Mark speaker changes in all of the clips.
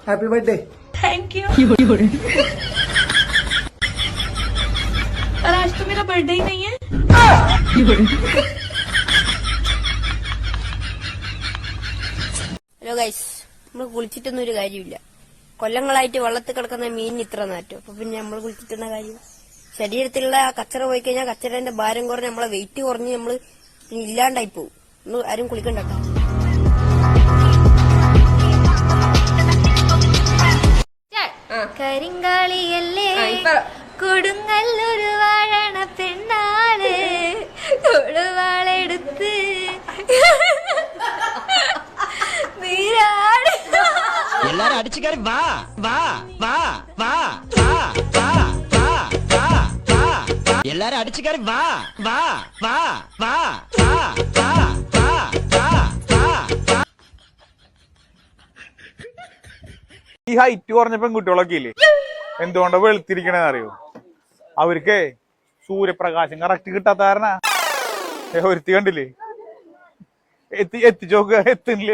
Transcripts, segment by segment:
Speaker 1: Happy birthday.
Speaker 2: Thank you. और आज तो मेरा बर्थडे ही नहीं है।
Speaker 3: ഹലോ ഗൈസ്, നമ്മൾ കുളിച്ചിട്ടൊന്നും ഒരു കാര്യമില്ല. കൊല്ലങ്ങളായിട്ട് വെള്ളത്തിൽ കിടക്കുന്ന മീനിന് ഇത്ര നാറ്റം. അപ്പൊ പിന്നെ നമ്മൾ കുളിച്ചിട്ടുന്ന കാര്യം, ശരീരത്തിലുള്ള ആ കച്ചറ പോയി കഴിഞ്ഞാൽ കച്ചറന്റെ ഭാരം കുറഞ്ഞ് നമ്മളെ വെയിറ്റ് കുറഞ്ഞ് നമ്മള് ഇല്ലാണ്ടായി പോകും. നമ്മൾ ആരും കുളിക്കണ്ട.
Speaker 4: കരിങ്കാളിയല്ലേ കൊടുങ്ങല്ലൊരു വാഴണ പെണ്ണാണ് കൊടുവാളെടുത്ത് നീരാട്
Speaker 5: എല്ലാരും അടിച്ചു കയറി വാ വാ വാ വാ എല്ലാരും അടിച്ചു കയറി വാ വാ വാ വാ
Speaker 6: ഈ ഹൈറ്റ് കുറഞ്ഞ പെൺകുട്ടികളൊക്കെ ഇല്ലേ, എന്തുകൊണ്ടാ വെളുത്തിരിക്കണേന്ന് അറിയോ? അവർക്ക് സൂര്യപ്രകാശം കറക്റ്റ് കിട്ടാത്ത കാരണ. ഒരുത്തി കണ്ടില്ലേ, എത്തിച്ചോക്ക എത്തുന്നില്ലേ.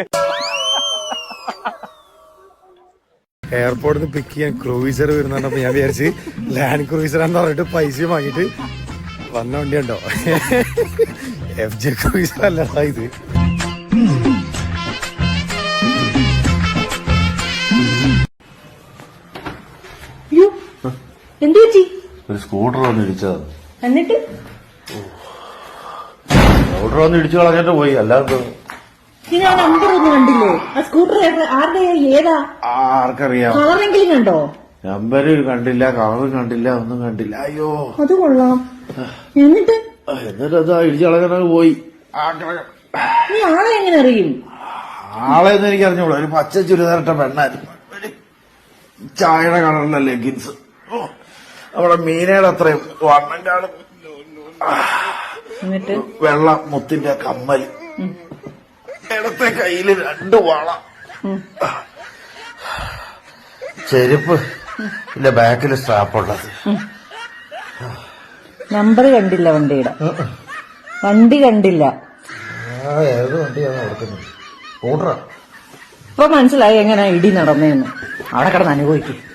Speaker 1: എയർപോർട്ടിൽ നിന്ന് പിക്ക് ചെയ്യാൻ ക്രൂയിസർ വരുന്നുണ്ടപ്പോ ഞാൻ വിചാരിച്ച് ലാൻഡ് ക്രൂയിസറാന്ന് പറഞ്ഞിട്ട് പൈസ വാങ്ങിട്ട് വന്ന വണ്ടിയുണ്ടോ. FJ ക്രൂയിസർ അല്ലടാ ഇത്.
Speaker 2: എന്ത് പറ്റി?
Speaker 7: ഒരു സ്കൂട്ടർ വന്ന് ഇടിച്ചത്.
Speaker 2: എന്നിട്ട്
Speaker 7: സ്കൂട്ടർ വന്ന് ഇടിച്ചു കളഞ്ഞിട്ട് പോയി. അല്ലാതെ
Speaker 2: ആ നമ്പർ ഒന്നും കണ്ടില്ലേ? ആ സ്കൂട്ടർ ആരുടെ ഏതാ?
Speaker 7: ആർക്കറിയാം.
Speaker 2: കളറെങ്കിലും കണ്ടോ?
Speaker 7: നമ്പര് കണ്ടില്ല, കളറ് കണ്ടില്ല, ഒന്നും കണ്ടില്ല. അയ്യോ
Speaker 2: അത് കൊള്ളാം. എന്നിട്ട്
Speaker 7: അതാ ഇടിച്ചു കളഞ്ഞിട്ട് പോയി.
Speaker 2: നീ ആളെ എങ്ങനെ അറിയും?
Speaker 7: ആളെന്ന് എനിക്ക് അറിഞ്ഞോളൂ. ഒരു പച്ച ചുരിദാറിട്ട പെണ്ണായിരുന്നു. ചായയുടെ കളറിലെ ലെഗിൻസ്. നമ്മുടെ മീനയുടെ അത്രയും വണ്ണം കാണും.
Speaker 2: എന്നിട്ട്
Speaker 7: വെള്ള മുത്തിന്റെ കമ്മല്, ഇടത്തെ കയ്യില് 2 വള, ചെരുപ്പ്, ഇല്ല ബാക്കില് സ്ട്രാപ്പുള്ളത്.
Speaker 2: നമ്പർ കണ്ടില്ല വണ്ടിയുടെ. വണ്ടി കണ്ടില്ല.
Speaker 7: ഏത് വണ്ടിയാണ് കൊടുക്കുന്നത്? സ്കൂട്ടറാ.
Speaker 2: ഇപ്പൊ മനസ്സിലായി എങ്ങനെ ഇടി നടന്നേന്ന്. അവിടെ കിടന്ന് അനുഭവിക്കും.